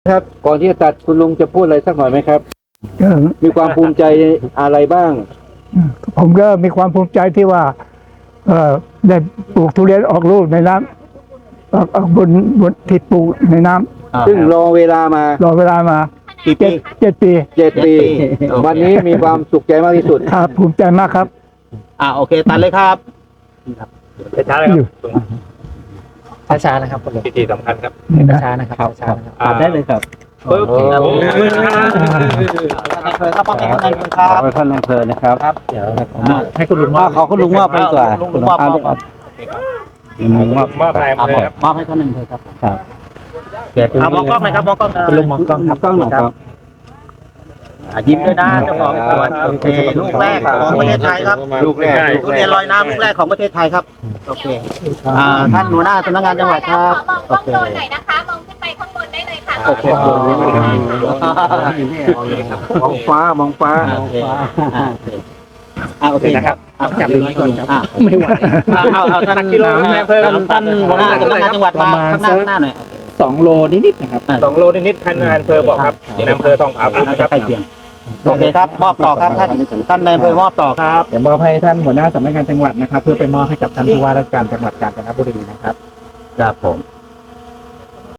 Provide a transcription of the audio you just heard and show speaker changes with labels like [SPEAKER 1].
[SPEAKER 1] ครับก่อนที่จะตัดคุณลุงจะพูดอะไรสักหน่อยไหมครับ มีความภูมิใจอะไรบ้าง
[SPEAKER 2] ผมก็มีความภูมิใจที่ว่าได้ปลูกทุเรียนออกลูกในน้ำออกบนที่ปลูกในน้ำ
[SPEAKER 1] ซึ่งรอเวลามาร
[SPEAKER 2] อเวลามา
[SPEAKER 3] กี่ปี
[SPEAKER 2] 7 ปี
[SPEAKER 1] 7 ปี
[SPEAKER 3] โอเค
[SPEAKER 1] วันนี้มีความสุขใจมากที่สุด
[SPEAKER 2] ครับภูมิใจมากครับ
[SPEAKER 3] โอเคตัดเลยครับ
[SPEAKER 4] ช้าเลยครับ
[SPEAKER 5] ช้าๆนะครับ
[SPEAKER 4] พิธีสำคัญครับ
[SPEAKER 2] นี่นะ
[SPEAKER 5] ช้าๆนะครับช้าๆนะครับ
[SPEAKER 3] ตัดได้เลยครับ
[SPEAKER 4] ปึ๊บ
[SPEAKER 1] โอ้
[SPEAKER 3] ท่านนายอำเภอครับป้องกันท่านนายอำเภอครับ
[SPEAKER 1] ขอท่านนายอำเภอนะครับ
[SPEAKER 5] เดี๋ยวให้คุณลุงมอบ
[SPEAKER 1] ขอคุณลุงมอบไปดีกว่า
[SPEAKER 3] ลุงมอบ
[SPEAKER 1] มอบ
[SPEAKER 4] มอบนายอำเภอครับ
[SPEAKER 3] มอบให้ท่านนายอำเภอครับ
[SPEAKER 1] ครับ
[SPEAKER 3] มองกล้องหน่อยครับมองกล้อง
[SPEAKER 5] คุณลุงมองกล้องครับ
[SPEAKER 1] กล้องหน่อยครับ
[SPEAKER 3] ยิ้มด้วยนะเจ้าของสวนโอเคลูกแรกของประเทศไทยครับ
[SPEAKER 1] ลูกแรก
[SPEAKER 3] ทุเรียนลอยน้ำลูกแรกของประเทศไทยครับโอเคท่านหัวหน้าสำนักงานจังหวัดครับ
[SPEAKER 6] มองกล้องโดนหน่อยนะคะ มองขึ้นไปข้างบนได้เลยค่ะ
[SPEAKER 3] โอเค
[SPEAKER 1] มองฟ้ามองฟ้า
[SPEAKER 3] โอเคนะครับ
[SPEAKER 5] จับมือไว้ก่อนครับ
[SPEAKER 3] ไม่ไหวเอาท่านกิโลนายอำเภอท่านหัวหน้าสำนักงานจังหวัดมาข้างหน้าหน่อย
[SPEAKER 5] 2 โลนิดๆนะครับ
[SPEAKER 4] 2 โลนิดๆท่านนายอำเภอบอกครับนายอำเภอต้องอาบุญนะครับ
[SPEAKER 3] ใกล้เคียงโอเคครับมอบต่อครับท่านนายอำเภอมอบต่อครับ
[SPEAKER 5] เดี๋ยวมอบให้ท่านหัวหน้าสำนักงานจังหวัดนะครับ เพื่อไปมอบให้กับท่านผู้ว่าราชการจังหวัดกาญจนบุรีนะครับ
[SPEAKER 3] ครับผม